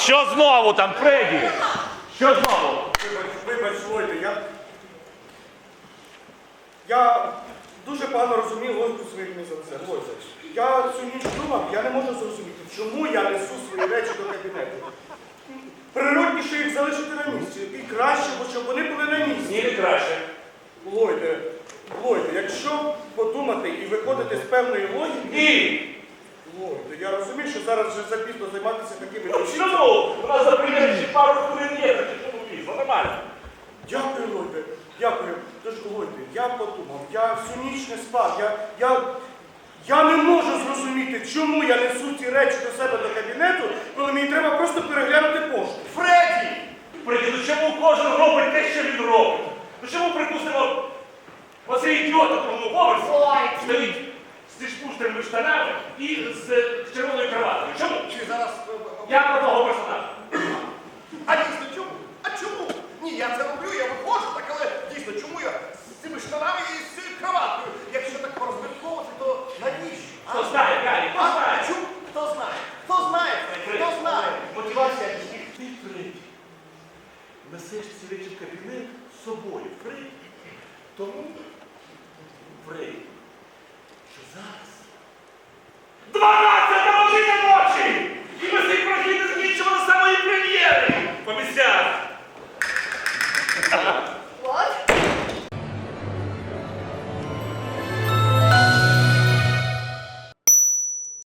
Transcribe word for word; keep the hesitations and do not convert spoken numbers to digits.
Що знову там, Фредді? Що знову? Вибач, вибач, Ллойде, я... Я дуже погано розумів логіку своїх мізансцен. Ллойде, я цю ніч думав, я не можу зрозуміти, чому я несу свої речі до кабінету. Природніше їх залишити на місці. І краще, бо щоб вони були на місці. Ні, не краще. Ллойде, Ллойде, якщо подумати і виходити з певної логіки... Ні! Ллойде, я розумію, що зараз вже запізно займатися такими речами. Чому? У нас за приміром ще пару хвилин є, так чому пізно? Нормально. Дякую, Ллойде, дякую. Тож, Ллойде, я подумав, я всю ніч не спав, я, я, я не можу зрозуміти, чому я несу ці речі до себе до кабінету, коли мені треба просто переглянути пошту. Фредді! Фредді, ну чому кожен робить те, що він робить? Ну чому, припустимо, оцей ідіот на другому поверсі стоїть з тишпуштерними штанами і з, з червоною кроваткою? Чому? Чи зараз... Я про того персонажа. А дійсно чому? А чому? Ні, я це роблю, я виходжу, так, але дійсно, чому я з цими штанами і з цією кроваткою? Якщо так порозмірковувати, то навіщо? А? Хто знає, Гаррі, хто А, знає? а чому? Хто знає? Хто знає, Фредді? Хто знає? Мотивація всіх. Ти, Фредді, несеш ці речі в кабінет з собою, Фредді. Тому, Фредді, що зараз дванадцята година ночі! І ми цей прохід не закінчимо до самої прем'єри! По місцях!